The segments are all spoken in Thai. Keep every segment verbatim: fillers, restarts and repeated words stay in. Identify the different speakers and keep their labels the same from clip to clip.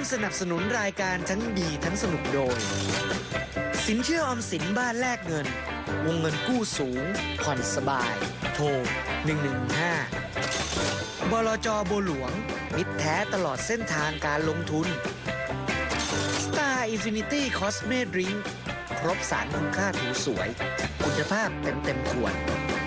Speaker 1: สนับสนุนรายการทั้งดีทั้งสนุกโดยสินเชื่อออมสินบ้านแลกเงินวงเงินกู้สูงผ่อนสบายโทรหนึ่งหนึ่งห้าบลจ.บัวหลวงมิตรแท้ตลอดเส้นทางการลงทุน Star Infinity Cosme Drink ครบสารคุณค่าผิวสวยคุณภาพเต็มเต็มขวด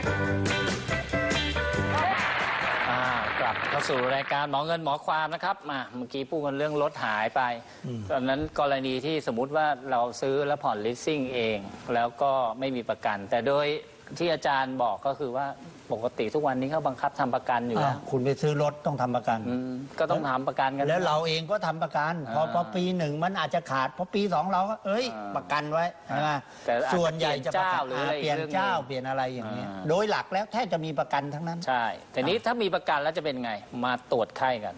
Speaker 2: กลับเข้าสู่รายการหมอเงินหมอความนะครับมาเมื่อกี้พูดกันเรื่องรถหายไปตอนนั้นกรณีที่สมมุติว่าเราซื้อแล้วผ่อนลิสซิ่งเองแล้วก็ไม่มีประกันแต่โดยที่อาจารย์บอกก็คือว่าปกติทุกวันนี้เขาบังคับทำประกันอยู่แล้ว
Speaker 3: คุณไปซื้อรถต้องทำประกัน
Speaker 2: ก็ต้องทำประกันกัน
Speaker 3: แล้วเราเองก็ทำประกันพอพอปีหนึ่งมันอาจจะขาดพอปีสองเราก็เอ้ยประกันไว้ใช่ไหมส่วนใหญ่จะประกันเปลี่ยนเจ้าเปลี่ยนอะไรอย่างนี้โดยหลักแล้วแทบจะมีประกันทั้งนั้น
Speaker 2: ใช่แต่นี้ถ้ามีประกันแล้วจะเป็นไงมาตรวจไข้กัน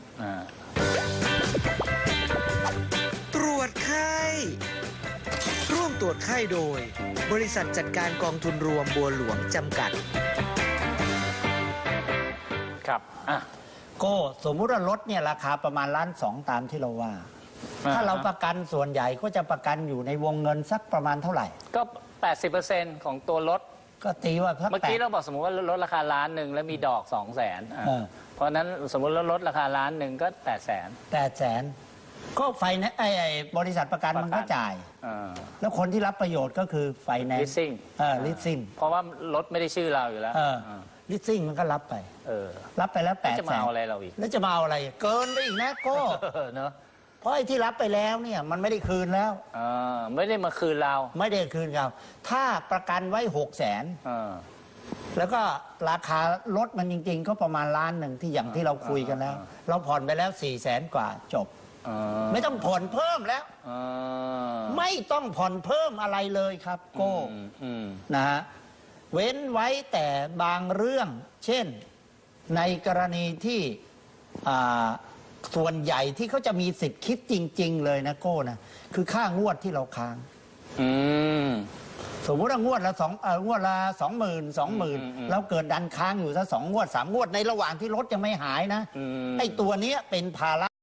Speaker 1: ตรวจไข้ร่วมตรวจไข้โดยบริษัทจัดการกองทุนรวมบัวหลวงจำกัด
Speaker 2: ครับอ่ะ
Speaker 3: ก็สมมุติว่ารถเนี่ยราคาประมาณล้านสองตามที่เราว่าถ้าเราประกันส่วนใหญ่ก็จะประกันอยู่ในวงเงินสักประมาณเท่าไหร่
Speaker 2: ก็ แปดสิบเปอร์เซ็นต์ ของตัวรถ
Speaker 3: ก็ตีว่า
Speaker 2: เมื่อกี้เราบอกสมมติว่าลดราคาล้านหนึ่งแล้วมีดอกสองแสนเพราะนั้นสมมติเราลดราคาล้านหนึ่งก็แปดแสน
Speaker 3: แปดแสนก็ไฟไอ้บริษัทประกันมันก็จ่ายแล้วคนที่รับประโยชน์ก็คือไฟแนนซ์ลิสซิ่งเออลิสซิ่ง
Speaker 2: เพราะว่ารถไม่ได้ชื่อเราอยู่แล้ว
Speaker 3: ลิสซิ่งมันก็รับไปเออรับไปแล้วแปดแสน
Speaker 2: จะมาเอาอะไรเราอีก
Speaker 3: แล้วจะมาเอาอะไรเกินไปอีกนะก็เนาะเพราะไอ้ที่รับไปแล้วเนี่ยมันไม่ได้คืนแล้ว
Speaker 2: อ่าไม่ได้มาคืนเรา
Speaker 3: ไม่ได้คืนเราถ้าประกันไว้หกแสนแล้วก็ราคารถมันจริงๆก็ประมาณล้านหนึ่งที่อย่างที่เราคุยกันแล้วเราผ่อนไปแล้วสี่แสนกว่าจบไม่ต้องผ่อนเพิ่มแล้วไม่ต้องผ่อนเพิ่มอะไรเลยครับโก้นะฮะเว้นไว้แต่บางเรื่องเช่นในกรณีที่ส่วนใหญ่ที่เขาจะมีสิทธิ์คิดจริงๆเลยนะโก้นะคือค่างวดที่เราค้างสมมติว่างวดละสองงวดละสองหมื่นสองหมื่นแล้วเกิดดันค้างอยู่ซะสองงวดสามงวดในระหว่างที่รถยังไม่หายนะไอ้ตัวนี้เป็นภาระ